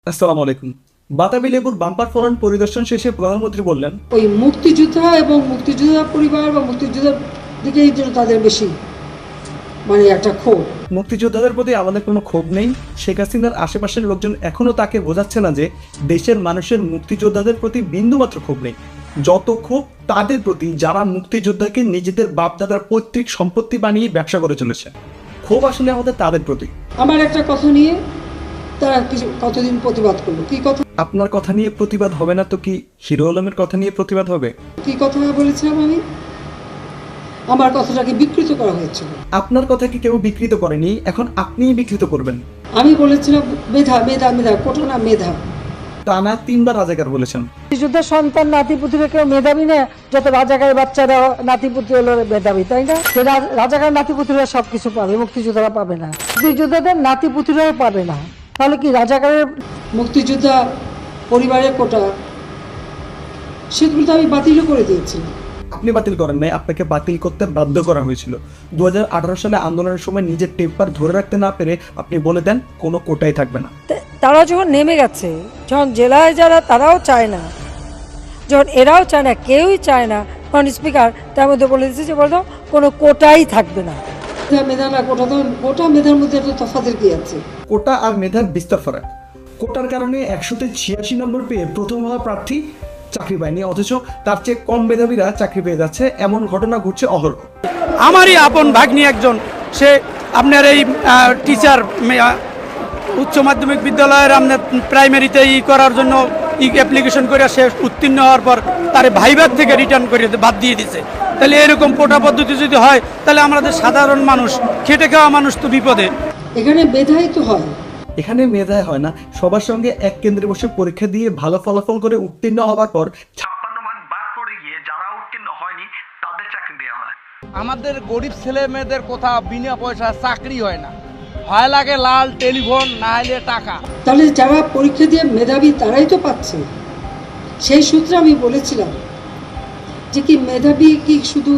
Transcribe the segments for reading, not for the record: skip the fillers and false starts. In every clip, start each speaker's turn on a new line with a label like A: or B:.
A: আসসালামু আলাইকুম। বাতাবি লেবুর বাম্পার ফলন পরিদর্শন শেষে প্রধানমন্ত্রী বললেন,
B: ওই মুক্তিযোদ্ধা এবং মুক্তিযোদ্ধা পরিবার বা মুক্তিযোদ্ধার দিকেই যেন তাদের বেশি একটা ক্ষোভ।
A: মুক্তিযোদ্ধাদের প্রতি আমাদের কোনো ক্ষোভ নেই। শেখ হাসিনার আশেপাশের লোকজন এখনো তাকে বোঝাচ্ছে না যে দেশের মানুষের মুক্তিযোদ্ধাদের প্রতি বিন্দুমাত্র ক্ষোভ নেই। যত ক্ষোভ তাদের প্রতি যারা মুক্তিযোদ্ধাকে নিজেদের বাপদাদার পৈতৃক সম্পত্তি বানিয়ে ব্যবসা করে চলেছে। ক্ষোভ আসলে আমাদের তাদের প্রতি।
B: আমার একটা কথা নিয়ে তারা কিছু কতদিন প্রতিবাদ করলো। কি কথা?
A: আপনার কথা নিয়ে প্রতিবাদ হবে না তো কি হিরো আলমের কথা নিয়ে প্রতিবাদ হবে?
B: কি কথা বলেছিলাম আমি? আমার কথাটাকে বিকৃত করা হয়েছিল।
A: আপনার কথা কি কেউ বিকৃত করেনি, এখন আপনিই বিকৃত করবেন।
B: আমি বলেছিলাম মেধা মেধা মেধা, কোটা না মেধা।
A: টানা 3বার রাজাকার বলেছেন।
C: মুক্তিযুদ্ধের সন্তান নাতিপুতিরা কেউ মেধাবী না, যত রাজাকারের বাচ্চারা নাতিপুতি হলো মেধাবী, তাই না? রাজাকার নাতিপুতিরা সবকিছু পাবে, মুক্তিযোদ্ধারা পাবে না। মুক্তিযোদ্ধাদের নাতিপুতিরাও পাবে না, তাহলে কি রাজাকারের?
B: মুক্তিযোদ্ধা পরিবারের কোটা সেগুলো তো আমি বাতিলও করে দিয়েছি।
A: আপনি বাতিল করেন নাই, আপনাকে বাতিল করতে বাধ্য করা হয়েছিল। 2018 সালে আন্দোলনের সময় নিজের টেম্পার ধরে রাখতে না পেরে আপনি বলে দেন কোনো কোটাই থাকবে না।
C: তারা যখন নেমে গেছে, যখন জেলায় যারা তারাও চায় না, যখন এরাও চায় না, কেউই চায় না, তখন স্পিকার তার মধ্যে বলে দিচ্ছে যে বলতো কোনো কোটাই থাকবে না।
B: মেধা না কোটা, তো কোটা মেধার মধ্যে একটা তফাতের কি আছে?
A: কোটা আর মেধার বিস্তর ফারাক। কোটার কারণে 100-তে 86 নম্বর পেয়ে প্রথম হওয়া প্রার্থী চাকরি পায়নি, অথচ তার চেয়ে কম মেধাবীরা চাকরি পেয়ে যাচ্ছে। এমন ঘটনা ঘটছে অহরহ।
D: আমারই আপন ভাগ্নি একজন, সে আপনার এই টিচার উচ্চ মাধ্যমিক বিদ্যালয়ের আপনার প্রাইমারিতে করার জন্য অ্যাপ্লিকেশন করে সে উত্তীর্ণ হওয়ার পর তার ভাইবার থেকে রিটার্ন করে বাদ দিয়ে দিছে। তাহলে এরকম কোটা পদ্ধতি যদি হয়, তাহলে আমাদের সাধারণ মানুষ, খেটে খাওয়া মানুষ তো বিপদে।
B: এখানে মেধাই তো হয়।
A: এখানে মেধায় হয় না, সবার সঙ্গে এক কেন্দ্রে বসে পরীক্ষা দিয়ে ভালো ফলাফল করে উত্তীর্ণ হওয়ার পর
E: 56 ভাগ বাদ পড়ে গিয়ে যারা উত্তীর্ণ হয়নি তাদের চাকরি দেওয়া হয়।
F: আমাদের গরিব ছেলে মেয়েদের কোথাও বিনা পয়সা চাকরি হয় না, হয় লাগে লাল টেলিফোন, না হলে টাকা।
B: তাহলে যারা পরীক্ষা দিয়ে মেধাবী তারাই তো পাচ্ছে। সেই সূত্রে আমি বলেছিলাম যে কি মেধাবী কি শুধু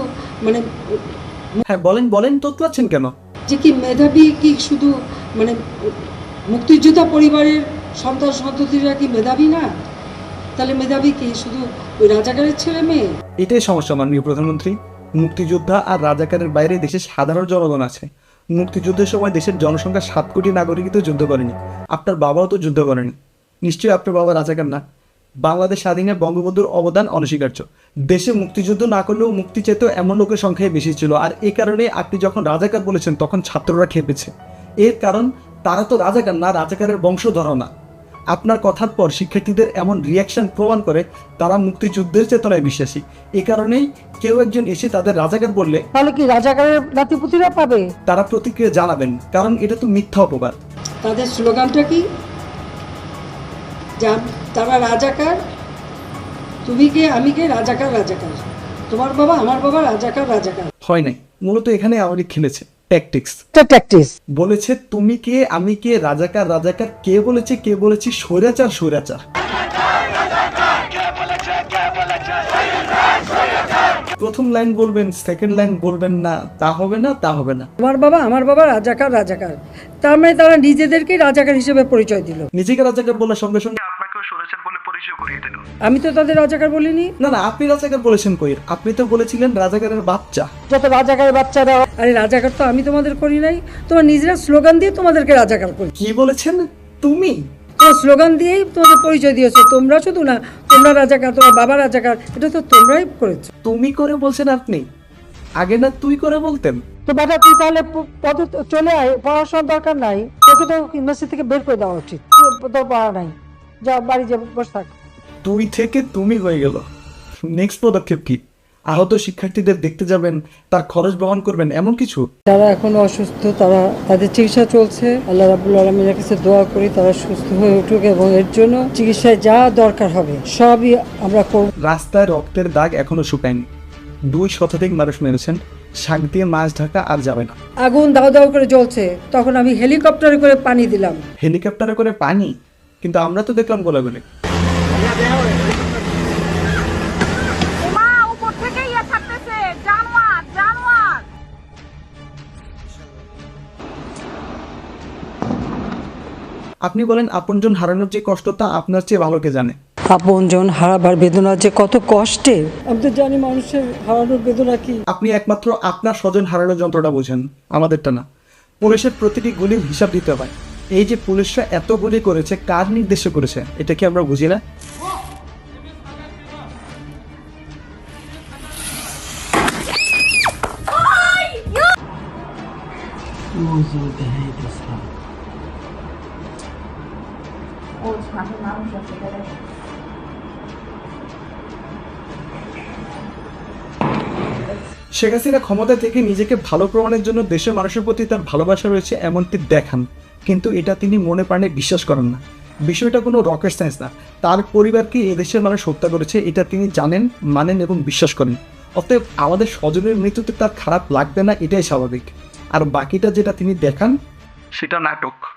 A: হ্যাঁ বলেন তোতলাচ্ছেন কেন?
B: যে কি মেধাবী কি শুধু মুক্তিযোদ্ধা পরিবারের সন্তান সন্ততিরা কি মেধাবী না? তাহলে মেধাবী কি শুধু ওই রাজাকারের ছেলে মেয়ে?
A: এটাই সমস্যা মাননীয় প্রধানমন্ত্রী। মুক্তিযোদ্ধা আর রাজাকারের বাইরে দেশের সাধারণ জনগণ আছে। মুক্তিযুদ্ধের সময় দেশের জনসংখ্যা 7 কোটি নাগরিকই তো যুদ্ধ করেনি। আপনার বাবাও তো যুদ্ধ করেনি, নিশ্চয়ই আপনার বাবা রাজাকার না। বাংলাদেশ স্বাধীনে বঙ্গবন্ধুর অবদান অনস্বীকার্য। দেশে মুক্তিযুদ্ধ না করলেও মুক্তি চেত এমন লোকের সংখ্যাই বেশি ছিল। আর এই কারণে আপনি যখন রাজাকার বলেছেন তখন ছাত্ররা খেপেছে। এর কারণ তারা তো রাজাকার না, রাজাকারের বংশধর না। আপনার কথার পর শিক্ষার্থীদের এমন রিয়াকশন প্রমাণ করে তারা মুক্তিযুদ্ধের চেতনায় বিশ্বাসী। এ কারণেই কেউ একজন এসে তাদের রাজাকার বললে
C: তাহলে কি রাজাকারের নাতিপুতিরা পাবে?
A: তারা প্রতিক্রিয়া জানাবেন, কারণ এটা তো মিথ্যা অপবাদ।
B: তাদের স্লোগানটা কি? তারা রাজাকার, তুমি কে আমি কে, রাজাকার রাজাকার, তোমার বাবা আমার বাবা, রাজাকার রাজাকার।
A: হয় নাই, মূলত এখানে আওয়ামী লীগ খেলেছে ট্যাকটিক্স। বলেছে তুমি কে আমি কে, রাজাকার রাজাকার। কে বলেছে স্বৈরাচার স্বৈরাচার। প্রথম লাইন বলবেন, সেকেন্ড লাইন বলবেন না, তা হবে না।
C: তোমার বাবা আমার বাবা, রাজাকার রাজাকার, তার মানে তারা নিজেদেরকেই রাজাকার হিসেবে পরিচয় দিল।
A: নিজেকে রাজাকার বলার সঙ্গে সঙ্গে
E: আপনাকেও সরেছেন বলে পরিচয় করিয়ে দিল।
C: আমি তো তাদের রাজাকার বলিনি।
A: না আপনি রাজাকার বলেছেন কই? আপনি তো বলেছিলেন রাজাকারের বাচ্চা।
C: যত রাজাকারের বাচ্চারা, আরে রাজাকার তো আমি তোমাদের করি নাই, তোমার নিজেরা স্লোগান দিয়ে তোমাদেরকে রাজাকার করি।
A: কি বলেছেন তুমি?
C: তোমার স্লোগান দিয়েই তোমাদের পরিচয় দিয়েছো। তোমরা শুধু না, তোমরা রাজাকার, তোমার বাবা রাজাকার, এটা তো তোমরাই করেছো।
A: তুমি করে বলছেন আপনি, আগে না তুই করে বলতেন।
C: তো বেটা তুই তাহলে পদে চলে আয়, পড়াশোনার দরকার নাই, তোকে তো ইউনিভার্সিটি থেকে বের করে দেওয়া উচিত। তোর পড়া নাই, যা বাড়ি যা বসে থাক।
A: তুই থেকে তুমি হয়ে গেল। নেক্সট পদক্ষেপ কি? আহত শিক্ষার্থীদের দেখতে যাবেন, তার খরচ বহন করবেন, এমন কিছু?
C: যারা এখনো অসুস্থ তাদের চিকিৎসা চলছে। আল্লাহ রাব্বুল আলামিনের কাছে দোয়া করি তারা সুস্থ হয়ে উঠুক এবং এর জন্য চিকিৎসায় যা দরকার হবে সবই আমরা করব।
A: রাস্তায় রক্তের দাগ এখনো শুকায়নি। 2 শতাধিক মানুষ মেরেছেন, শাক দিয়ে মাছ ঢাকা আর যাবে না।
C: আগুন দাও দাও করে জ্বলছে, তখন আমি হেলিকপ্টারে করে পানি দিলাম।
A: হেলিকপ্টারে করে পানি? কিন্তু আমরা তো দেখলাম গোলাগুলি। আপনি বলেন আপনজন হারানোর যে কষ্ট তা আপনার চেয়ে ভালো কে জানে।
C: আপনজন হারাবার বেদনা যে কত কষ্টে, আমি তো জানি মানুষের হারানোর বেদনা কি।
A: আপনি একমাত্র আপনার স্বজন হারানোর যন্ত্রটা বোঝেন, আমাদেরটা না। পুলিশের প্রতিটি গুলির হিসাব দিতে হয়। এই যে পুলিশরা এত গুলি করেছে, কার নির্দেশে করেছে এটা কি আমরা বুঝি না? শেখ হাসিনা ক্ষমতা থেকে নিজেকে ভালো প্রমাণের জন্য দেশের মানুষের প্রতি তার ভালোবাসা রয়েছে এমনটি দেখান, কিন্তু এটা তিনি মনে প্রাণে বিশ্বাস করেন না। বিষয়টা কোনো রকেট সায়েন্স না। তার পরিবারকে এদেশের মানুষ হত্যা করেছে এটা তিনি জানেন, মানেন এবং বিশ্বাস করেন। অতএব আমাদের স্বজনের মৃত্যুতে তার খারাপ লাগবে না, এটাই স্বাভাবিক। আর বাকিটা যেটা তিনি দেখান
E: সেটা নাটক।